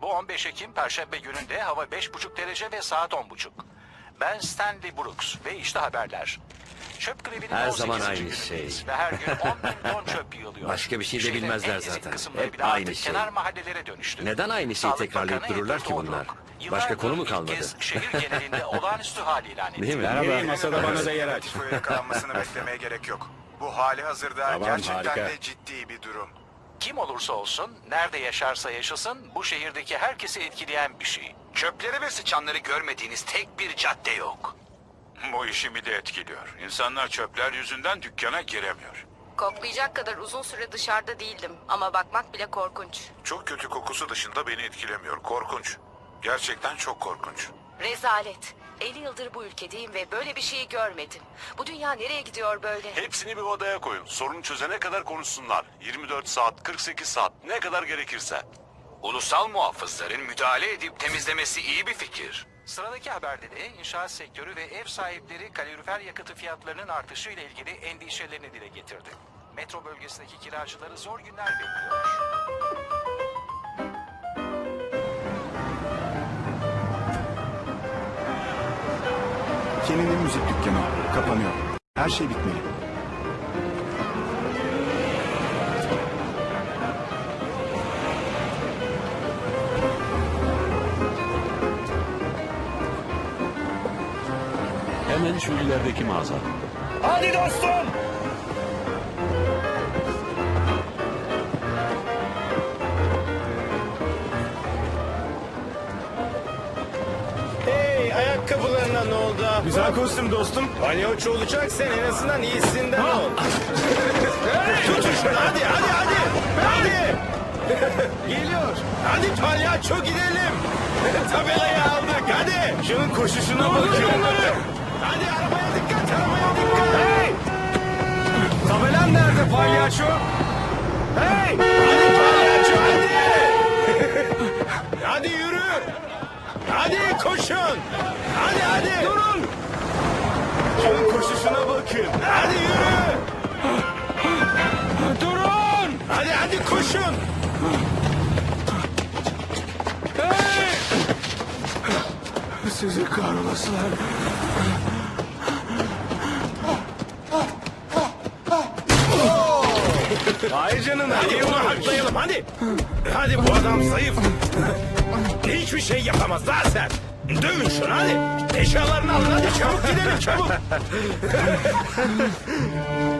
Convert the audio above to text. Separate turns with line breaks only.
Bu 15 Ekim Perşembe gününde hava 5,5 derece ve saat 10.30. Ben Stanley Brooks ve işte haberler. Çöp grevinin
Her
18.
zaman aynı
günündeyiz
şey.
ve her gün 10.000 ton çöp yığılıyor.
Başka bir şey de
Şehrin
bilmezler
en ezik
zaten.
kısımları
Hep
bile
aynı
artık
şey.
kenar mahallelere dönüştü.
Neden aynı şeyi
Sağlık
tekrarlayıp
Bakanı
dururlar
Edward
ki bunlar?
Holbrook,
Başka konu mu
yıllardır
kalmadı?
ilk kez şehir genelinde olağanüstü hal ilan etti.
Değil mi?
Merhaba. Masada bana da yer aç.
Tifo yakalanmasını beklemeye gerek yok. Bu hali hazırda
Tamam,
gerçekten
harika.
de ciddi bir durum.
Kim olursa olsun, nerede yaşarsa yaşasın, bu şehirdeki herkesi etkileyen bir şey. Çöpleri ve sıçanları görmediğiniz tek bir cadde yok.
Bu işimi de etkiliyor. İnsanlar çöpler yüzünden dükkana giremiyor.
Koklayacak kadar uzun süre dışarıda değildim ama bakmak bile korkunç.
Çok kötü kokusu dışında beni etkilemiyor. Korkunç. Gerçekten çok korkunç.
Rezalet. 50 yıldır bu ülkedeyim ve böyle bir şeyi görmedim. Bu dünya nereye gidiyor böyle?
Hepsini bir odaya koyun. Sorun çözene kadar konuşsunlar. 24 saat, 48 saat, ne kadar gerekirse.
Ulusal muhafızların müdahale edip temizlemesi iyi bir fikir. Sıradaki haberde de inşaat sektörü ve ev sahipleri kalorifer yakıtı fiyatlarının artışı ile ilgili endişelerini dile getirdi. Metro bölgesindeki kiracıları zor günler bekliyor.
Kenan'ın müzik dükkanı kapanıyor. Her şey bitmeli.
Hemen şu ilerideki mağaza.
Hadi dostum!
Hey, ayakkabılarına ne oldu?
Güzel kostüm dostum.
Palyaço olacaksan en azından iyisinden ol. Tutun şunu hadi. Hadi. Geliyor. Hadi palyaço gidelim. Tabelayı aldık hadi.
Şunun koşuşuna bakın.
Hadi arabaya dikkat.
Hey! Tabelan nerede palyaço? Hey!
Hadi palyaço hadi. Hadi yürü. Hadi koşun. Hadi.
Durun! Şunun koşuşuna bakın.
Hadi yürü.
Durun!
Hadi koşun.
Sizi kahrolasılar.
Hayır canım hadi onu haklayalım hadi. Hadi bu adam zayıf. Hiçbir şey yapamaz zaten. Dövün şunu hadi. Eşyalarını alın hadi çabuk gidelim çabuk.